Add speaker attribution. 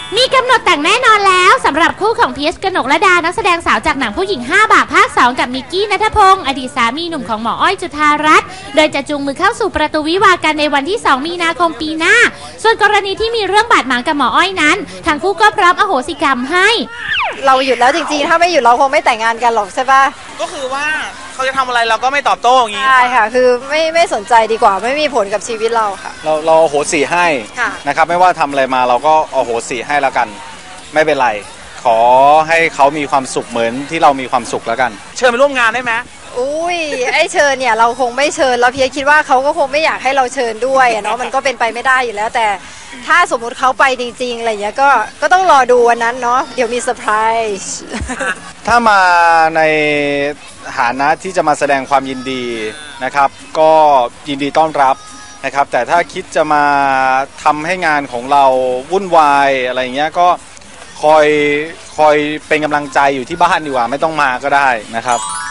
Speaker 1: มีกำหนดแต่งแน่นอนแล้วสำหรับคู่ของพีชกนกและดานักแสดงสาวจากหนังผู้หญิง5 บาปภาค 2กับมิกกี้ณัฐพงศ์อดีตสามีหนุ่มของหมออ้อยจุฑารัตน์โดยจะจูงมือเข้าสู่ประตูวิวาห์กันในวันที่2 มีนาคมปีหน้าส่วนกรณีที่มีเรื่องบาดหมางกับหมออ้อยนั้นทั้งคู่ก็พร้อมอโหสิกรรมให้
Speaker 2: เราหยุดแล้วจริงๆถ้าไม่หยุดเราคงไม่แต่งงานกันหรอกใช่ปะ
Speaker 3: ก็คือว่าเขาจะทำอะไรเราก็ไม่ตอบโต้อย่างนี้
Speaker 2: ใช่ค่ะคือไม่สนใจดีกว่าไม่มีผลกับชีวิตเราค่ะ
Speaker 4: เราโหสิให้นะครับไม่ว่าทำอะไรมาเราก็โหสิให้แล้วกันไม่เป็นไรขอให้เขามีความสุขเหมือนที่เรามีความสุขแล้วกัน
Speaker 3: เชิญไปร่วมงานได้ไหม
Speaker 2: อุ้ยไอเชิญเนี่ยเราคงไม่เชิญแล้วเพียคิดว่าเขาก็คงไม่อยากให้เราเชิญด้วยเนาะมันก็เป็นไปไม่ได้อยู่แล้วแต่ถ้าสมมุติเขาไปจริงๆอะไรอย่างเงี้ยก็ต้องรอดูวันนั้นเนาะเดี๋ยวมีเซอร์ไพรส์
Speaker 4: ถ้ามาในฐานะที่จะมาแสดงความยินดีนะครับก็ยินดีต้อนรับนะครับแต่ถ้าคิดจะมาทำให้งานของเราวุ่นวายอะไรเงี้ยก็คอยเป็นกำลังใจอยู่ที่บ้านดีกว่าไม่ต้องมาก็ได้นะครับ